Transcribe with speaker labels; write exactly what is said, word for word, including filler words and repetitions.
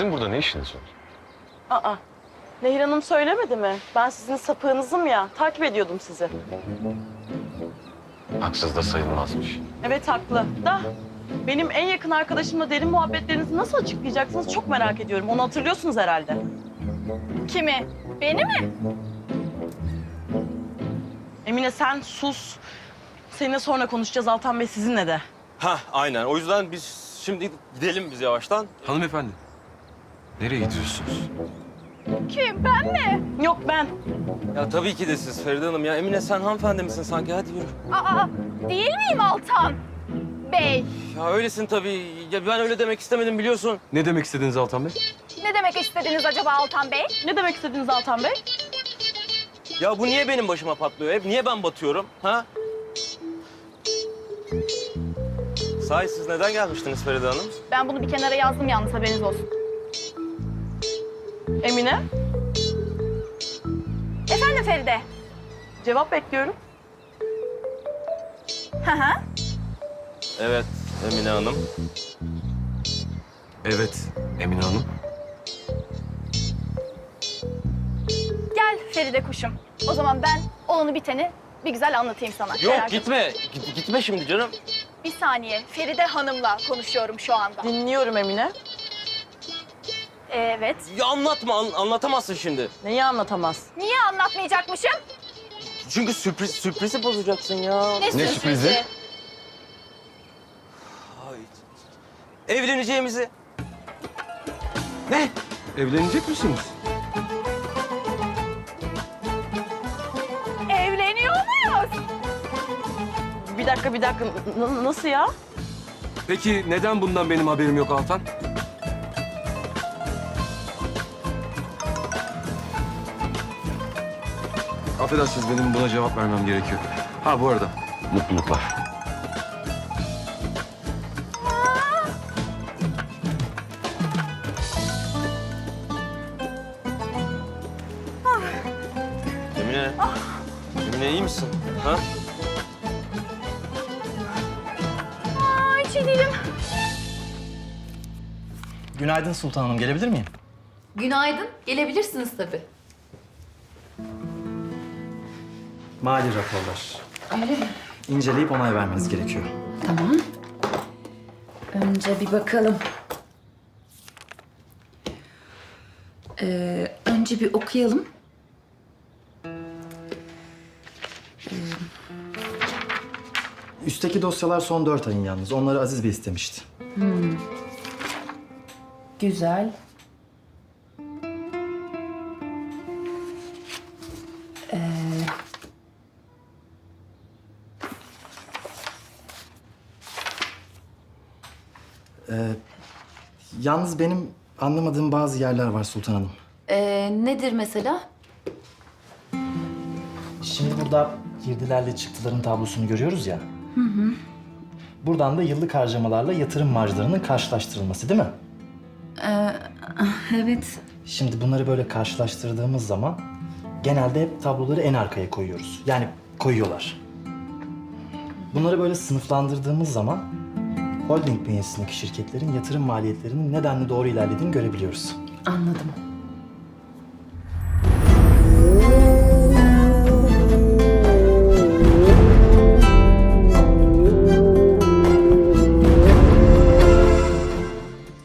Speaker 1: Sizin burada ne işiniz var?
Speaker 2: Aa, Nehir Hanım söylemedi mi? Ben sizin sapığınızım ya. Takip ediyordum sizi.
Speaker 1: Haksız da sayılmazmış.
Speaker 2: Evet haklı. Da benim en yakın arkadaşımla derin muhabbetlerinizi nasıl açıklayacaksınız çok merak ediyorum. Onu hatırlıyorsunuz herhalde.
Speaker 3: Kimi? Beni mi?
Speaker 2: Emine sen sus. Seninle sonra konuşacağız Altan Bey sizinle de.
Speaker 4: Ha aynen. O yüzden biz şimdi gidelim biz yavaştan.
Speaker 1: Hanımefendi, nereye gidiyorsunuz?
Speaker 3: Kim? Ben mi?
Speaker 2: Yok ben.
Speaker 4: Ya tabii ki de siz Feride Hanım. Ya Emine sen hanımefendi misin sanki? Hadi yürü.
Speaker 3: Aa, değil miyim Altan Bey?
Speaker 4: Ya öylesin tabii. Ya ben öyle demek istemedim biliyorsun.
Speaker 1: Ne demek istediniz Altan Bey?
Speaker 3: Ne demek istediniz acaba Altan Bey?
Speaker 2: Ne demek istediniz Altan Bey?
Speaker 4: Ya bu niye benim başıma patlıyor hep? Niye ben batıyorum? Ha? Sahi siz neden gelmiştiniz Feride Hanım?
Speaker 3: Ben bunu bir kenara yazdım yalnız haberiniz olsun.
Speaker 2: Emine,
Speaker 3: Efendim Feride?
Speaker 2: cevap bekliyorum.
Speaker 3: Hı hı.
Speaker 4: Evet Emine Hanım.
Speaker 1: Evet, Emine Hanım.
Speaker 3: Gel Feride kuşum. O zaman ben olanı biteni bir güzel anlatayım sana.
Speaker 4: Yok
Speaker 3: Merak etme.
Speaker 4: gitme. Git- gitme şimdi canım.
Speaker 3: Bir saniye. Feride Hanım'la konuşuyorum şu anda.
Speaker 2: Dinliyorum Emine.
Speaker 3: Evet.
Speaker 4: Ya anlatma. an- anlatamazsın şimdi.
Speaker 2: Neyi anlatamaz?
Speaker 3: Niye anlatmayacakmışım?
Speaker 4: Çünkü sürpriz sürprizi bozacaksın ya.
Speaker 3: Ne, sürprizi?
Speaker 1: sürprizi?
Speaker 4: Ay. Evleneceğimizi.
Speaker 1: Ne? Evlenecek misiniz?
Speaker 3: Evleniyor muyuz?
Speaker 2: Bir dakika bir dakika. N- nasıl ya?
Speaker 1: Peki neden bundan benim haberim yok Altan? Affedersiniz, benim buna cevap vermem gerekiyor. Ha bu arada, mutluluklar.
Speaker 4: Emine. Emine iyi misin? Ha?
Speaker 3: Ay hiç iyi değilim.
Speaker 5: Günaydın Sultan Hanım, gelebilir miyim?
Speaker 6: Günaydın. Gelebilirsiniz tabii.
Speaker 5: Mali raporlar.
Speaker 6: Öyle mi?
Speaker 5: İnceleyip onay vermeniz gerekiyor.
Speaker 6: Tamam. Önce bir bakalım. Ee, önce bir okuyalım.
Speaker 5: Üstteki dosyalar son dört ayın yalnız. Onları Aziz Bey istemişti.
Speaker 6: Güzel.
Speaker 5: Yalnız benim anlamadığım bazı yerler var Sultan Hanım.
Speaker 6: Ee, nedir mesela?
Speaker 5: Şimdi burada girdilerle çıktıların tablosunu görüyoruz ya. Hı hı. Buradan da yıllık harcamalarla yatırım marjlarının karşılaştırılması değil mi?
Speaker 6: Evet.
Speaker 5: Şimdi bunları böyle karşılaştırdığımız zaman genelde hep tabloları en arkaya koyuyoruz. Yani koyuyorlar. Bunları böyle sınıflandırdığımız zaman holding bünyesindeki şirketlerin yatırım maliyetlerinin nedenli doğru ilerlediğini görebiliyoruz.
Speaker 6: Anladım.